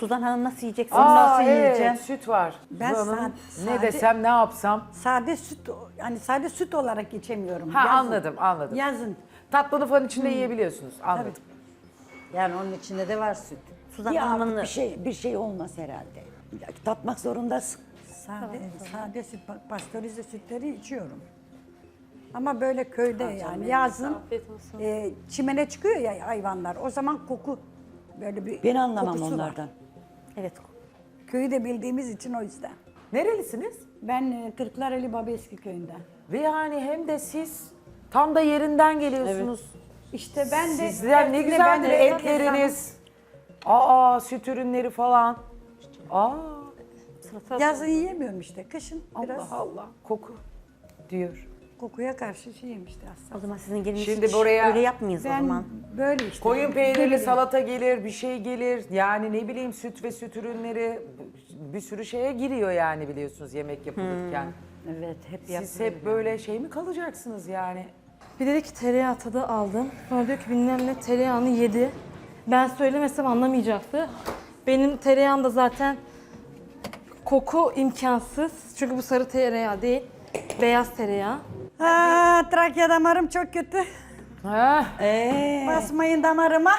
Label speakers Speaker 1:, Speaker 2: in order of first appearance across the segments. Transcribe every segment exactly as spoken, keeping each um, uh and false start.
Speaker 1: Suzan Hanım nasıl yiyecek?
Speaker 2: Aa,
Speaker 1: nasıl
Speaker 2: evet,
Speaker 1: yiyeceğim?
Speaker 2: süt var.
Speaker 3: Ben
Speaker 2: Hanım,
Speaker 3: sade-
Speaker 2: ne
Speaker 3: sade-
Speaker 2: desem ne yapsam.
Speaker 3: Sade süt, yani sade süt olarak içemiyorum.
Speaker 2: Ha
Speaker 3: Yazın.
Speaker 2: anladım anladım.
Speaker 3: Yazın.
Speaker 2: Tatlını falan içinde yiyebiliyorsunuz. Anladım.
Speaker 4: Yani onun içinde de var süt.
Speaker 1: Suzan
Speaker 5: Ya
Speaker 1: Hanım'ın
Speaker 5: bir şey bir şey olmaz herhalde. Ya, tatmak zorundasın.
Speaker 3: Sade, sade süt, pa- pastörize sütleri içiyorum. Ama böyle köyde yani yazın e, çimene çıkıyor ya hayvanlar. O zaman koku böyle bir
Speaker 5: Ben anlamam
Speaker 3: kokusu var.
Speaker 5: onlardan.
Speaker 1: evet.
Speaker 3: Köyü de bildiğimiz için o yüzden.
Speaker 2: Nerelisiniz?
Speaker 3: Ben e, Kırklareli Babeski köyünden.
Speaker 2: Ve yani hem de siz tam da yerinden geliyorsunuz.
Speaker 3: İşte ben de
Speaker 2: Sizler ne
Speaker 3: hepsine
Speaker 2: güzeldir
Speaker 3: ben de-
Speaker 2: etleriniz. Aa süt ürünleri falan. Aa
Speaker 3: Yazın yiyemiyorum işte. Kışın biraz
Speaker 2: Allah Allah koku diyor.
Speaker 3: kokuya karşı şeyim işte aslında.
Speaker 1: O zaman sizin geliniz
Speaker 2: Şimdi
Speaker 1: hiç
Speaker 2: buraya-
Speaker 1: öyle yapmayız o
Speaker 3: Ben
Speaker 1: zaman.
Speaker 3: böyle işte.
Speaker 2: Koyun peynirli
Speaker 3: Böyle-
Speaker 2: salata gelir, bir şey gelir. Yani ne bileyim süt ve süt ürünleri bir sürü şeye giriyor yani biliyorsunuz yemek yapılırken.
Speaker 4: Evet hep
Speaker 2: Siz
Speaker 4: yapılıyor.
Speaker 2: hep böyle şey mi kalacaksınız yani?
Speaker 6: Bir dedi ki tereyağı tadı aldım. Sonra diyor ki bilmem ne tereyağını yedi. Ben söylemesem anlamayacaktı. Benim tereyağım da zaten koku imkansız. Çünkü bu sarı tereyağı değil. Beyaz tereyağı.
Speaker 3: Aa, Trakya damarım çok kötü.
Speaker 2: Ha?
Speaker 3: Basmayın damarıma.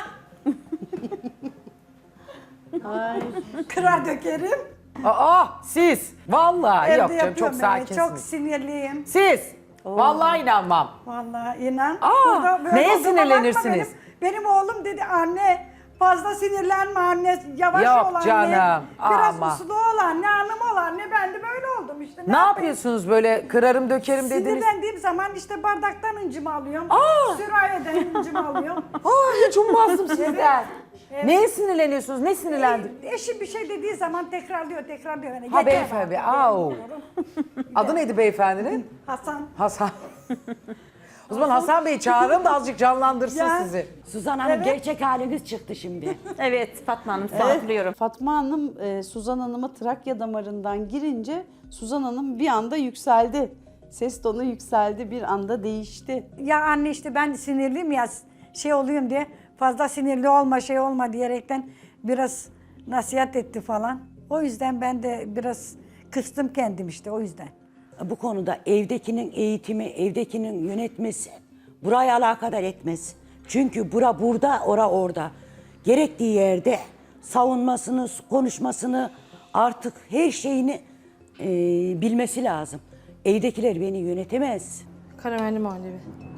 Speaker 3: Kırar dökerim.
Speaker 2: Aa siz vallahi
Speaker 3: Evde
Speaker 2: yok canım çok
Speaker 3: yapıyorum ben.
Speaker 2: sakinsiniz.
Speaker 3: Çok sinirliyim.
Speaker 2: Siz vallahi inanmam.
Speaker 3: Vallahi inan.
Speaker 2: Aa,
Speaker 3: Burada böyle
Speaker 2: neye
Speaker 3: olduğuma bakma
Speaker 2: sinirlenirsiniz?
Speaker 3: Benim, benim oğlum dedi anne fazla sinirlenme anne yavaş
Speaker 2: Yok
Speaker 3: ol anne.
Speaker 2: canım,
Speaker 3: Biraz
Speaker 2: ama.
Speaker 3: uslu ol anne hanım ol anne ben de böyle oldum işte.
Speaker 2: Ne
Speaker 3: yapayım?
Speaker 2: yapıyorsunuz böyle kırarım dökerim dediniz?
Speaker 3: Sinirlendiğim zaman işte bardaktan incimi alıyorum.
Speaker 2: Aa!
Speaker 3: Sürahiden incimi alıyorum.
Speaker 2: Aa hiç ummazdım sizden. Neye sinirleniyorsunuz? Ne sinirlendi?
Speaker 3: Eşim bir şey dediği zaman tekrarlıyor tekrarlıyor. Yani
Speaker 2: Ha
Speaker 3: yeter
Speaker 2: beyefendi.
Speaker 3: artık,
Speaker 2: Au.
Speaker 3: diyorum.
Speaker 2: Adı neydi beyefendinin?
Speaker 3: Hasan.
Speaker 2: Hasan. O zaman Hasan Bey'i çağırın da azıcık canlandırsın
Speaker 3: Ya.
Speaker 2: sizi.
Speaker 5: Suzan Hanım gerçek haliniz çıktı şimdi.
Speaker 1: Evet Fatma Hanım sizi hatırlıyorum.
Speaker 7: Fatma Hanım e, Suzan Hanım'a Trakya damarından girince Suzan Hanım bir anda yükseldi. Ses tonu yükseldi, bir anda değişti.
Speaker 3: Ya anne işte ben sinirliyim ya şey oluyorum diye fazla sinirli olma şey olma diyerekten biraz nasihat etti falan. O yüzden ben de biraz kıstım kendim işte o yüzden.
Speaker 5: Bu konuda evdekinin eğitimi, evdekinin yönetmesi buraya alakadar etmez. Çünkü bura burada, ora orada. Gerektiği yerde savunmasını, konuşmasını artık her şeyini e, bilmesi lazım. Evdekiler beni yönetemez.
Speaker 6: Karamelli muhallebi.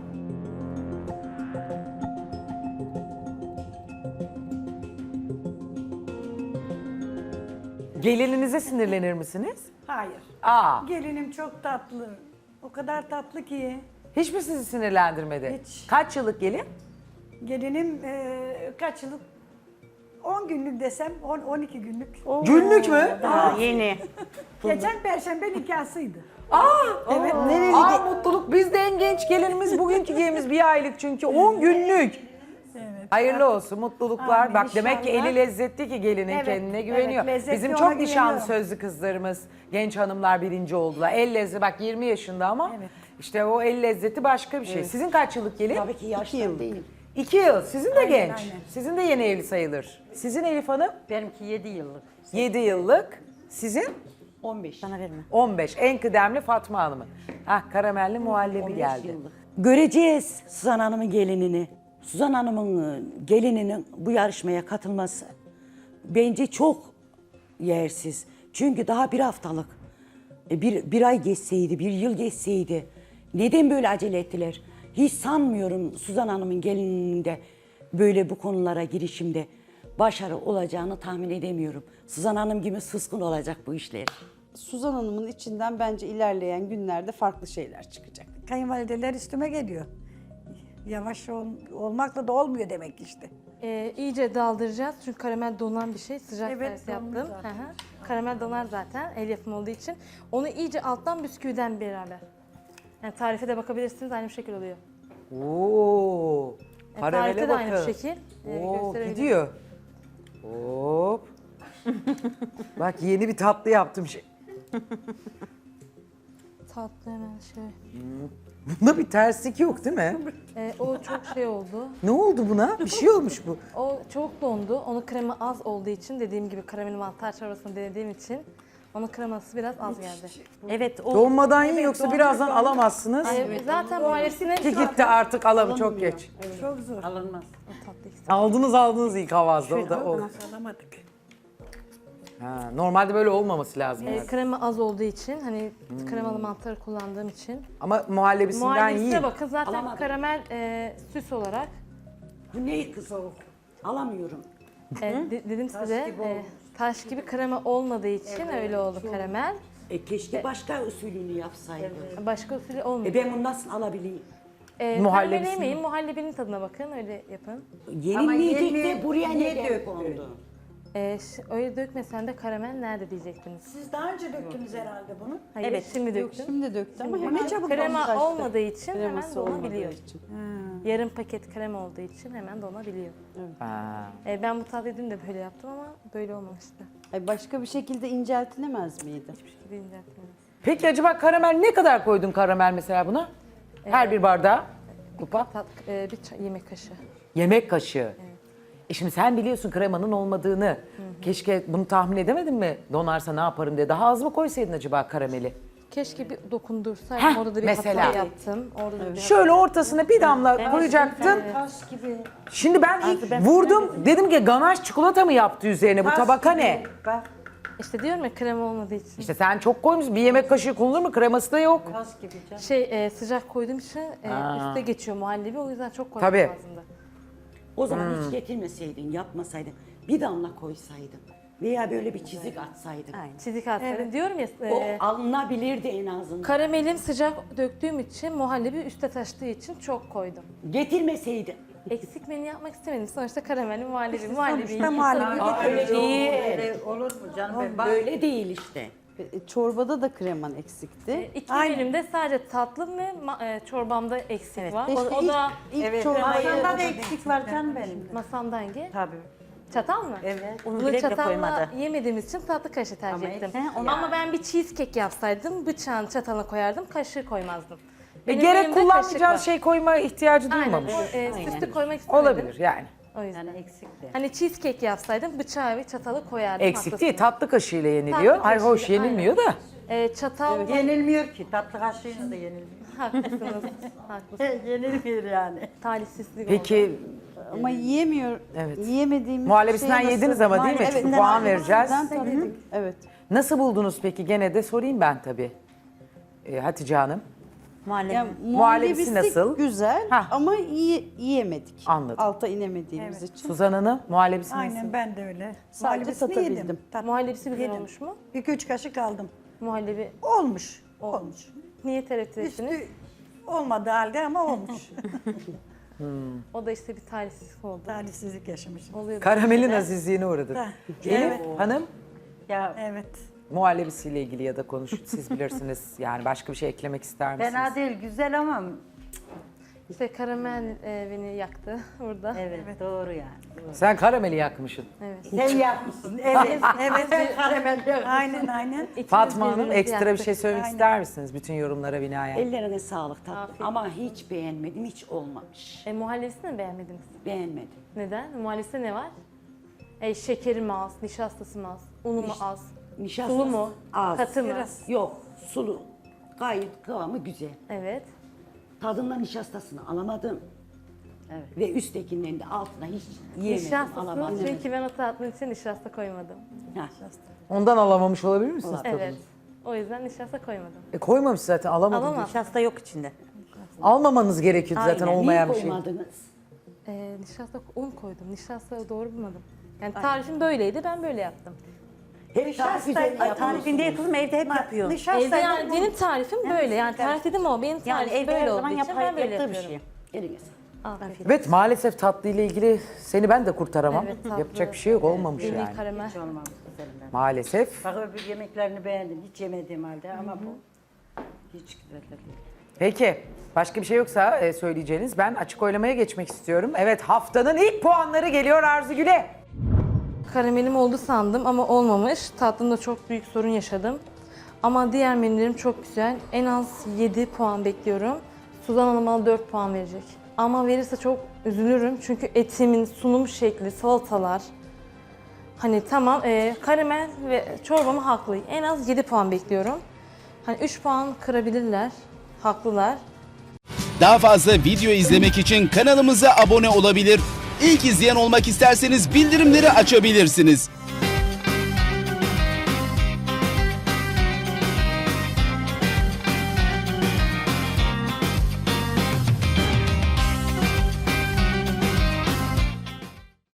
Speaker 2: Gelininize sinirlenir misiniz?
Speaker 3: Hayır.
Speaker 2: Aa,
Speaker 3: Gelinim çok tatlı. O kadar tatlı ki.
Speaker 2: hiç mi sizi sinirlendirmedi?
Speaker 3: Hiç.
Speaker 2: Kaç yıllık gelin?
Speaker 3: Gelinim e, kaç yıllık? on günlük desem on on iki günlük.
Speaker 2: Günlük mü?
Speaker 1: Aa, yeni.
Speaker 3: Geçen perşembe nikahsıydı.
Speaker 2: Aa,
Speaker 3: Evet.
Speaker 2: Aa mutluluk. Biz de en genç gelinimiz bugünkü gelimiz bir aylık çünkü on günlük.
Speaker 3: Evet.
Speaker 2: Hayırlı olsun, mutluluklar.
Speaker 3: Amin,
Speaker 2: Bak demek ki
Speaker 3: inşallah.
Speaker 2: eli lezzetli ki gelinin
Speaker 3: Evet,
Speaker 2: kendine
Speaker 3: evet,
Speaker 2: güveniyor.
Speaker 3: lezzetli,
Speaker 2: Bizim
Speaker 3: ona
Speaker 2: çok nişanlı
Speaker 3: güveniyorum.
Speaker 2: sözlü kızlarımız, genç hanımlar birinci oldular. El lezzeti bak yirmi yaşında ama
Speaker 3: Evet.
Speaker 2: işte o el lezzeti başka bir şey. Sizin kaç yıllık gelin?
Speaker 5: Tabii ki yaştan değil.
Speaker 2: İki yıl. Sizin de
Speaker 3: Aynen,
Speaker 2: genç.
Speaker 3: aynen.
Speaker 2: Sizin de yeni evli sayılır. Sizin Elif Hanım?
Speaker 4: Benimki yedi yıllık.
Speaker 2: Yedi yıllık. Sizin?
Speaker 5: on beş.
Speaker 1: Bana verme.
Speaker 2: on beş. En kıdemli Fatma Hanım'ın. Hah karamelli muhallebi geldi.
Speaker 5: Göreceğiz Suzan Hanım'ın gelinini. Suzan Hanım'ın e, gelininin bu yarışmaya katılması bence çok yersiz. Çünkü daha bir haftalık. E, Bir, bir ay geçseydi, bir yıl geçseydi. Neden böyle acele ettiler? Hiç sanmıyorum Suzan Hanım'ın gelininde böyle bu konulara girişimde başarı olacağını tahmin edemiyorum. Suzan Hanım gibi sıskın olacak bu işler.
Speaker 7: Suzan Hanım'ın içinden bence ilerleyen günlerde farklı şeyler çıkacak.
Speaker 3: Kayınvalideler üstüme geliyor. Yavaş ol, olmakla da olmuyor demek işte.
Speaker 6: Ee, iyice daldıracağız çünkü karamel donan bir şey. Sıcak
Speaker 3: Evet,
Speaker 6: servis
Speaker 3: donmuş
Speaker 6: yaptım.
Speaker 3: zaten.
Speaker 6: Hı hı. Karamel donar zaten el yapımı olduğu için. Onu iyice alttan bisküviden beraber. Yani tarife de bakabilirsiniz aynı şekil oluyor.
Speaker 2: Oo.
Speaker 6: E,
Speaker 2: Karamele
Speaker 6: tarifte de aynı
Speaker 2: bakın.
Speaker 6: şekil. E,
Speaker 2: Oo,
Speaker 6: gösterebilirim.
Speaker 2: gidiyor. Hop. Bak yeni bir tatlı yaptım şey.
Speaker 6: tatlı hemen şey.
Speaker 2: Bunda bir terslik yok değil mi?
Speaker 6: Ee, o çok şey oldu.
Speaker 2: Ne oldu buna? Bir şey olmuş bu.
Speaker 6: O çok dondu. Onun krema az olduğu için dediğim gibi karamel mantar çorbasını denediğim için onun kreması biraz az geldi.
Speaker 1: Evet o
Speaker 2: Donmadan yiyin yoksa birazdan alamazsınız.
Speaker 6: Ay, zaten muhalefetine
Speaker 2: Ki gitti artık alamı çok geç.
Speaker 3: Çok zor.
Speaker 4: Alınmaz.
Speaker 6: tatlı eksik.
Speaker 2: Aldınız aldınız ilk havazda o da o.
Speaker 3: Alamadık.
Speaker 2: Ha, normalde böyle olmaması lazım.
Speaker 6: Ee,
Speaker 2: yani.
Speaker 6: krema az olduğu için hani kremalı mantar kullandığım için.
Speaker 2: Ama muhallebisinden
Speaker 6: Muhalefetine
Speaker 2: yiyin.
Speaker 6: bakın zaten
Speaker 5: Alamadım.
Speaker 6: karamel e, süs olarak
Speaker 5: Bu ne kız o? Alamıyorum.
Speaker 6: e, de- dedim size e, taş gibi krema olmadığı için öyle oldu karamel.
Speaker 5: E keşke başka usulünü yapsaydı.
Speaker 6: Başka usulü olmuyor.
Speaker 5: E ben bunu nasıl alabileyim?
Speaker 6: E,
Speaker 2: Muhallebisini-
Speaker 6: karamel yemeyin, muhallebinin tadına bakın, öyle yapın.
Speaker 5: Yenilmeyecek
Speaker 4: yeni-
Speaker 5: de buraya
Speaker 4: niye
Speaker 5: neden
Speaker 4: döktü?
Speaker 5: kondu?
Speaker 6: E, ş- öyle dökmesen de karamel nerede diyecektiniz.
Speaker 3: Siz daha önce döktünüz herhalde bunu.
Speaker 6: Hayır,
Speaker 1: Evet,
Speaker 6: şimdi
Speaker 7: Yok
Speaker 6: döktüm.
Speaker 7: şimdi döktü ama
Speaker 3: Şimdi
Speaker 7: hemen
Speaker 3: ne çabuk
Speaker 6: Krema
Speaker 7: taştı.
Speaker 6: olmadığı için
Speaker 7: Kreması
Speaker 6: hemen
Speaker 7: olmadığı
Speaker 6: donabiliyor.
Speaker 7: için.
Speaker 6: Yarım paket krema olduğu için hemen donabiliyor.
Speaker 2: Ha.
Speaker 6: E, ben bu tatlıyı dün de böyle yaptım ama böyle olmamıştı.
Speaker 7: Ay başka bir şekilde inceltilemez miydi?
Speaker 6: Hiçbir şekilde inceltmedim.
Speaker 2: Peki acaba karamel ne kadar koydun karamel mesela buna? Her bir bardağa kupa.
Speaker 6: Tat, e, bir çay- yemek kaşığı.
Speaker 2: Yemek kaşığı. E şimdi sen biliyorsun kremanın olmadığını. Keşke bunu tahmin edemedin mi? Donarsa ne yaparım diye. Daha az mı koysaydın acaba karameli?
Speaker 6: Keşke bir dokundursaydım.
Speaker 2: Heh,
Speaker 6: Orada da bir
Speaker 2: mesela.
Speaker 6: hata yaptım. Orada da bir
Speaker 2: Şöyle ortasına bir damla koyacaktın.
Speaker 3: Taş gibi.
Speaker 2: Şimdi ben ilk vurdum. Dedim ki ganaj çikolata mı yaptı üzerine? Bu tabaka ne?
Speaker 3: Bak.
Speaker 6: İşte diyorum ya krema olmadığı için.
Speaker 2: İşte sen çok koymuşsun. Bir yemek kaşığı konulur mu? Kreması da yok.
Speaker 3: Taş gibi canım.
Speaker 6: Şey e, sıcak koyduğum için e,
Speaker 2: Aa.
Speaker 6: üste geçiyor muhallebi, o yüzden çok koymam
Speaker 2: Tabii.
Speaker 6: lazımdı.
Speaker 5: O zaman hiç getirmeseydin, yapmasaydın. Bir damla koysaydın. Veya böyle bir çizik atsaydın.
Speaker 6: Çizik atsaydım. Diyorum ya
Speaker 5: O
Speaker 6: e,
Speaker 5: alınabilirdi en azından.
Speaker 6: karamelim sıcak döktüğüm için muhallebi üste taştığı için çok koydum.
Speaker 5: Getirmeseydin.
Speaker 6: Eksik menü yapmak istemedim. Sonuçta karameli muhallebi, muhallebi.
Speaker 3: Sonuçta muhallebi
Speaker 5: Aa, öyle değil.
Speaker 4: Öyle olur mu canım? Ben bak,
Speaker 5: Böyle değil işte.
Speaker 7: E, Çorbada da kreman eksikti.
Speaker 6: İki
Speaker 3: Aynen.
Speaker 6: menümde sadece tatlım ve ma- e, çorbamda eksik var.
Speaker 7: Keşke
Speaker 6: O, o da
Speaker 7: ilk, ilk
Speaker 4: evet.
Speaker 7: çorbayı
Speaker 4: Masanda da eksik var canım benim.
Speaker 6: masamda hangi?
Speaker 4: Tabii.
Speaker 6: Çatal mı?
Speaker 4: Evet.
Speaker 1: Onu
Speaker 6: Bunu
Speaker 1: bile bile
Speaker 6: çatalla
Speaker 1: koymadı.
Speaker 6: yemediğimiz için tatlı kaşığı tercih
Speaker 4: Ama
Speaker 6: ettim.
Speaker 4: eksik
Speaker 6: Ama,
Speaker 4: yani.
Speaker 6: ben bir cheesecake yapsaydım bıçağın çatalına koyardım, kaşığı koymazdım.
Speaker 2: E,
Speaker 6: Benim
Speaker 2: gerek
Speaker 6: elimde kaşık
Speaker 2: kullanmayacağın
Speaker 6: var.
Speaker 2: şey koyma ihtiyacı
Speaker 6: Aynen,
Speaker 2: duymamış.
Speaker 6: o, e, süslü koymak istemedim.
Speaker 2: Olabilir yani.
Speaker 6: O yüzden.
Speaker 4: Yani eksikti.
Speaker 6: Hani cheesecake yapsaydım bıçağı ve çatalı koyardım.
Speaker 2: Eksik değil,
Speaker 6: haklısınız.
Speaker 2: tatlı kaşığıyla yeniliyor.
Speaker 6: Tatlı
Speaker 2: Ay hoş
Speaker 6: kaşığıyla,
Speaker 2: yenilmiyor da.
Speaker 6: E, çatal
Speaker 4: Yenilmiyor ki. Tatlı kaşığıyla da yenilmiyor.
Speaker 6: haklısınız. haklısınız.
Speaker 4: Yenilmiyor yani.
Speaker 6: Talihsizlik oldu.
Speaker 2: Peki
Speaker 7: ama yiyemiyor.
Speaker 2: Evet.
Speaker 7: Yiyemediğimiz
Speaker 2: Muhallebisinden
Speaker 7: şey nasıl-
Speaker 2: yediniz ama değil mi?
Speaker 7: Evet,
Speaker 2: Çünkü puan vereceğiz.
Speaker 7: muhallebisinden tabii. Evet.
Speaker 2: Nasıl buldunuz peki? Gene de sorayım ben tabii. Ee, Hatice Hanım.
Speaker 1: muhallebi.
Speaker 7: Yani
Speaker 2: Muhallebisi
Speaker 7: muhallebisi
Speaker 2: nasıl?
Speaker 7: güzel
Speaker 2: Hah.
Speaker 7: ama yiye- yiyemedik.
Speaker 2: Anladım.
Speaker 7: Alta inemediğimiz için.
Speaker 2: Suzan Hanım muhallebisi nasıl?
Speaker 3: Aynen ben de öyle.
Speaker 7: Sadece
Speaker 3: Muhallebisini
Speaker 7: tatabildim.
Speaker 3: yedim. Tat-
Speaker 6: Muhallebisi güzel
Speaker 3: yedim.
Speaker 6: olmuş mu?
Speaker 3: İki üç kaşık aldım.
Speaker 6: Muhallebi
Speaker 3: Olmuş. Olmuş.
Speaker 6: niye tereddüt ettiniz?
Speaker 3: Üstü olmadığı halde ama olmuş.
Speaker 6: O da işte bir talihsizlik oldu.
Speaker 3: Talihsizlik yaşamışım.
Speaker 6: Oluyor.
Speaker 2: Karamelin azizliğine uğradık.
Speaker 3: Ha,
Speaker 2: Elif
Speaker 3: evet.
Speaker 2: Hanım
Speaker 4: Ya
Speaker 3: Evet.
Speaker 2: muhallebisiyle ilgili ya da konuş siz bilirsiniz. Yani başka bir şey eklemek ister misiniz?
Speaker 4: fena değil, güzel ama
Speaker 6: İşte karamel e, beni yaktı burada.
Speaker 4: evet, doğru yani. Doğru.
Speaker 2: Sen karameli yakmışsın.
Speaker 6: Evet.
Speaker 4: Sen yapmışsın. Evet.
Speaker 3: Evet.
Speaker 4: Sen karamel yapmışsın.
Speaker 3: Aynen aynen.
Speaker 6: İkimiz
Speaker 2: Fatma Hanım
Speaker 6: birbirimizi
Speaker 2: ekstra bir
Speaker 6: yaktık.
Speaker 2: şey söylemek
Speaker 3: Aynen.
Speaker 2: ister misiniz bütün yorumlara binaen?
Speaker 5: Ellerine sağlık tatlım.
Speaker 6: Afiyet.
Speaker 5: Ama hiç beğenmedim, hiç olmamış.
Speaker 6: E, muhallebisini mi beğenmediniz?
Speaker 5: Beğenmedim.
Speaker 6: Neden? Muhallebisinde ne var? E, şekeri mi az, nişastası mı az, unu mu az,
Speaker 5: Nişastası
Speaker 6: sulu mu,
Speaker 5: az.
Speaker 6: katı mı?
Speaker 3: Biraz.
Speaker 5: Yok, sulu. Gayet kıvamı güzel.
Speaker 6: Evet.
Speaker 5: Tadından nişastasını alamadım.
Speaker 4: Evet.
Speaker 5: Ve üsttekinden de altına hiç yiyemedim,
Speaker 6: Nişastası,
Speaker 5: alamadım.
Speaker 6: çünkü ben o tatlının için nişasta koymadım.
Speaker 5: Ha.
Speaker 2: Ondan alamamış olabilir misiniz tadını?
Speaker 6: Evet. O yüzden nişasta koymadım.
Speaker 2: E koymamış zaten alamadım.
Speaker 6: Alamaz.
Speaker 1: Nişasta yok içinde.
Speaker 2: Almamanız gerekiyordu zaten
Speaker 1: Aynen.
Speaker 2: olmayan
Speaker 5: Niye
Speaker 2: bir şey.
Speaker 5: koymadınız?
Speaker 6: E, nişasta, un koydum. Nişasta doğru bulmadım. Yani tarifim böyleydi, ben böyle yaptım.
Speaker 5: Hep tarif üzerine
Speaker 1: Tarifinde
Speaker 5: yapıyorsunuz.
Speaker 1: yapılır evde hep yapıyor.
Speaker 6: Evde yani benim tarifim böyle. Yani tarif dedim ama benim
Speaker 1: Yani
Speaker 6: tarifim
Speaker 1: evde
Speaker 6: böyle
Speaker 1: her
Speaker 6: olduğu
Speaker 1: zaman
Speaker 6: için
Speaker 1: yapar,
Speaker 6: ben böyle
Speaker 1: yaptığı bir
Speaker 6: yapıyorum.
Speaker 1: şey.
Speaker 5: Eline sağlık.
Speaker 6: Afiyet.
Speaker 2: Evet maalesef tatlı ile ilgili seni ben de kurtaramam.
Speaker 6: Evet, tatlı.
Speaker 2: Yapacak bir şey yok olmamış
Speaker 6: Deli
Speaker 2: yani.
Speaker 6: karamel.
Speaker 4: Hiç olmamış güzelinden.
Speaker 2: Maalesef.
Speaker 4: Bak öbür yemeklerini beğendim. Hiç yemediğim halde ama bu hiç güzel değil.
Speaker 2: Peki başka bir şey yoksa e, söyleyeceğiniz ben açık oylamaya geçmek istiyorum. Evet haftanın ilk puanları geliyor Arzu Gül'e.
Speaker 6: Karamelim oldu sandım ama olmamış. Tatlımda çok büyük sorun yaşadım. Ama diğer menülerim çok güzel. En az yedi puan bekliyorum. Suzan Hanım bana dört puan verecek. Ama verirse çok üzülürüm. Çünkü etimin sunum şekli, salatalar. Hani tamam e, karamel ve çorbamı haklı. En az yedi puan bekliyorum. Hani üç puan kırabilirler. Haklılar.
Speaker 8: Daha fazla video izlemek için kanalımıza abone olabilir. İlk izleyen olmak isterseniz bildirimleri açabilirsiniz.